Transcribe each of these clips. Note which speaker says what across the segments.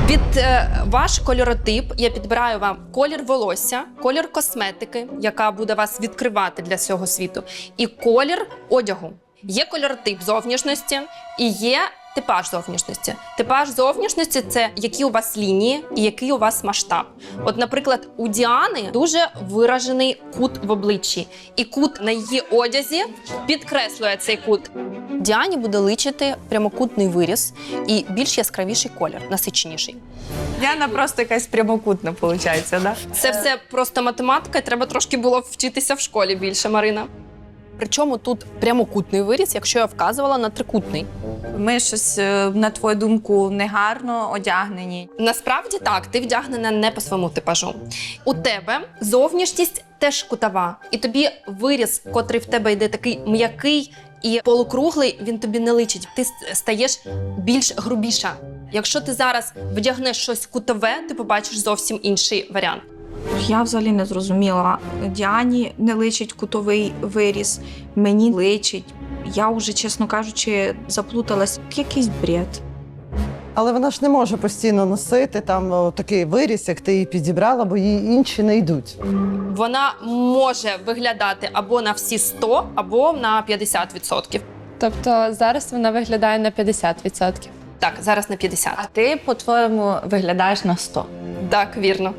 Speaker 1: Під ваш кольоротип я підбираю вам колір волосся, колір косметики, яка буде вас відкривати для всього світу, і колір одягу. Є кольоротип зовнішності і є типаж зовнішності. Типаж зовнішності – це які у вас лінії і який у вас масштаб. От, наприклад, у Діани дуже виражений кут в обличчі. І кут на її одязі підкреслює цей кут. Діані буде личити прямокутний виріз і більш яскравіший колір, насиченіший.
Speaker 2: Діана просто якась прямокутна, виходить, да?
Speaker 1: Це все просто математика, і треба трошки було вчитися в школі більше, Марина. Причому тут прямокутний виріз, якщо я вказувала на трикутний.
Speaker 2: Ми щось, на твою думку, негарно одягнені.
Speaker 1: Насправді так, ти вдягнена не по своєму типажу. У тебе зовнішність теж кутова. І тобі виріз, котрий в тебе йде такий м'який і полукруглий, він тобі не личить. Ти стаєш більш грубіша. Якщо ти зараз вдягнеш щось кутове, ти побачиш зовсім інший варіант.
Speaker 2: Я взагалі не зрозуміла. Діані не личить кутовий виріз, мені личить. Я вже, чесно кажучи, заплуталась. Якийсь бред.
Speaker 3: Але вона ж не може постійно носити там такий виріз, як ти її підібрала, бо їй інші не йдуть.
Speaker 1: Вона може виглядати або на всі 100, або на 50%.
Speaker 4: Тобто зараз вона виглядає на 50%.
Speaker 1: Так, зараз на 50.
Speaker 2: А ти, по-твоєму, виглядаєш на 100.
Speaker 1: Так, вірно.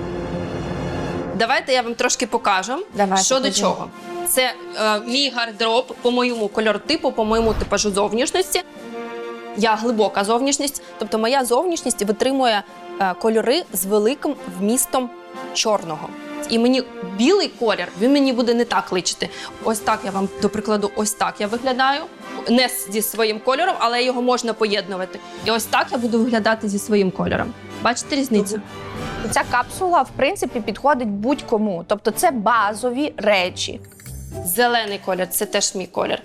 Speaker 1: Давайте я вам трошки покажу,
Speaker 2: Давай,
Speaker 1: що
Speaker 2: покажи.
Speaker 1: до чого. Це мій гардероб по моєму кольоротипу, по моєму типажу зовнішності. Я глибока зовнішність, тобто моя зовнішність витримує кольори з великим вмістом чорного. І мені білий колір, він мені буде не так личити. Ось так я вам, до прикладу, ось так я виглядаю. Не зі своїм кольором, але його можна поєднувати. І ось так я буду виглядати зі своїм кольором. Бачите різницю?
Speaker 5: Ця капсула, в принципі, підходить будь-кому. Тобто це базові речі.
Speaker 1: Зелений колір – це теж мій колір.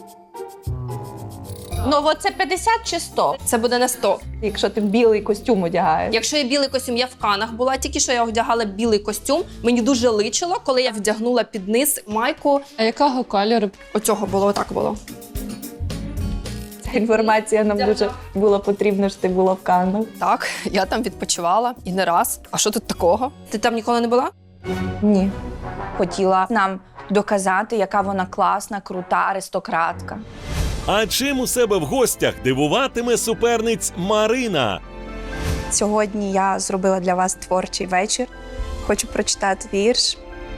Speaker 5: Ну, от це 50 чи 100?
Speaker 1: Це буде на 100.
Speaker 2: Якщо ти білий костюм одягаєш.
Speaker 1: Якщо є білий костюм, я в Канах була, тільки що я одягала білий костюм. Мені дуже личило, коли я вдягнула під низ майку.
Speaker 4: А якого кольору?
Speaker 1: Оцього було, отак було.
Speaker 2: Ця інформація нам дуже була потрібна, що ти була в Каннах.
Speaker 1: Так, я там відпочивала і не раз. А що тут такого? Ти там ніколи не була?
Speaker 5: Ні. Хотіла нам доказати, яка вона класна, крута аристократка.
Speaker 6: А чим у себе в гостях дивуватиме суперниць Марина?
Speaker 5: Сьогодні я зробила для вас творчий вечір. Хочу прочитати вірш.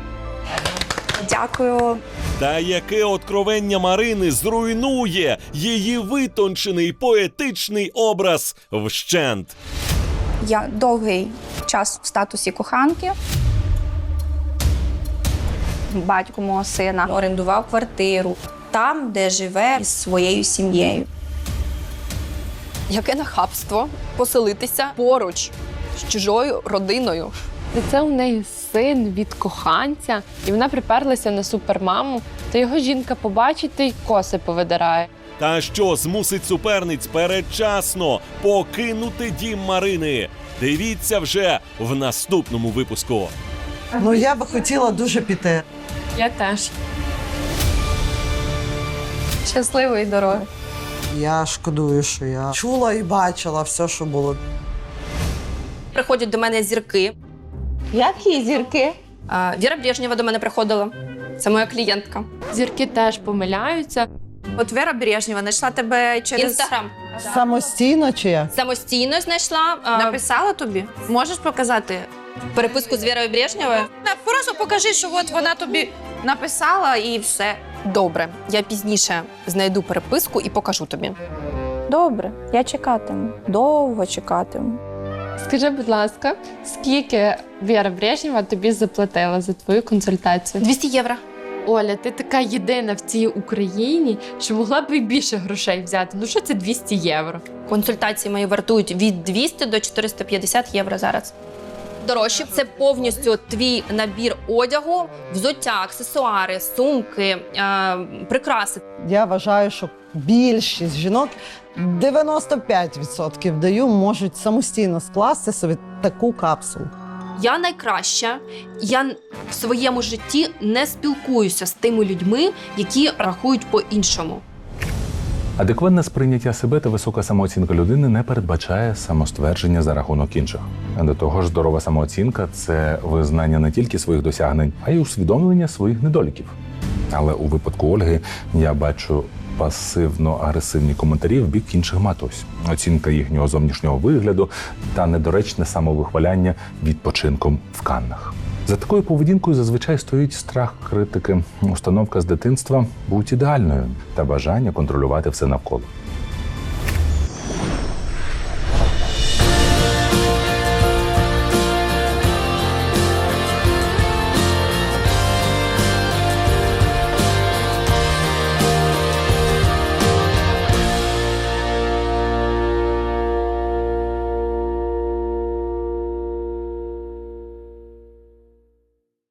Speaker 5: Дякую.
Speaker 6: Та яке откровення Марини зруйнує її витончений поетичний образ вщент?
Speaker 5: Я довгий час в статусі коханки. Батько мого сина орендував квартиру там, де живе із своєю сім'єю.
Speaker 1: Яке нахабство поселитися поруч з чужою родиною.
Speaker 4: І це у неї син від коханця, і вона приперлася на супермаму, то його жінка побачить та й коси повидирає.
Speaker 6: Та що змусить суперниць передчасно покинути дім Марини? Дивіться вже в наступному випуску.
Speaker 3: Ну, я би хотіла дуже піти.
Speaker 4: Я теж.
Speaker 5: Щасливої дороги.
Speaker 3: Я шкодую, що я чула і бачила все, що було.
Speaker 1: Приходять до мене зірки.
Speaker 2: Які зірки?
Speaker 1: Віра Брежнєва до мене приходила. Це моя клієнтка.
Speaker 4: Зірки теж помиляються.
Speaker 2: От Віра Брежнєва знайшла тебе через...
Speaker 1: Інстаграм.
Speaker 3: Самостійно чи як?
Speaker 1: Самостійно знайшла
Speaker 2: Написала тобі? Можеш показати?
Speaker 1: переписку з Вірою Брежнєвою.
Speaker 2: Просто покажи, що от вона тобі написала і все.
Speaker 1: Добре, я пізніше знайду переписку і покажу тобі.
Speaker 5: Добре, я чекатиму. Довго чекатиму.
Speaker 4: Скажи, будь ласка, скільки Віра Брежнєва тобі заплатила за твою консультацію?
Speaker 1: 200 євро.
Speaker 4: Оля, ти така єдина в цій Україні, що могла б і більше грошей взяти. Ну що це 200 євро?
Speaker 1: Консультації мої вартують від 200 до 450 євро зараз. Дорожче – це повністю твій набір одягу, взуття, аксесуари, сумки, прикраси.
Speaker 3: Я вважаю, що більшість жінок, 95% даю, можуть самостійно скласти собі таку капсулу.
Speaker 1: Я найкраща. Я в своєму житті не спілкуюся з тими людьми, які рахують по-іншому.
Speaker 7: Адекватне сприйняття себе та висока самооцінка людини не передбачає самоствердження за рахунок інших. До того ж, здорова самооцінка – це визнання не тільки своїх досягнень, а й усвідомлення своїх недоліків. Але у випадку Ольги я бачу пасивно-агресивні коментарі в бік інших матусь, оцінка їхнього зовнішнього вигляду та недоречне самовихваляння відпочинком в Каннах. За такою поведінкою зазвичай стоїть страх критики, установка з дитинства «будь ідеальною» та бажання контролювати все навколо.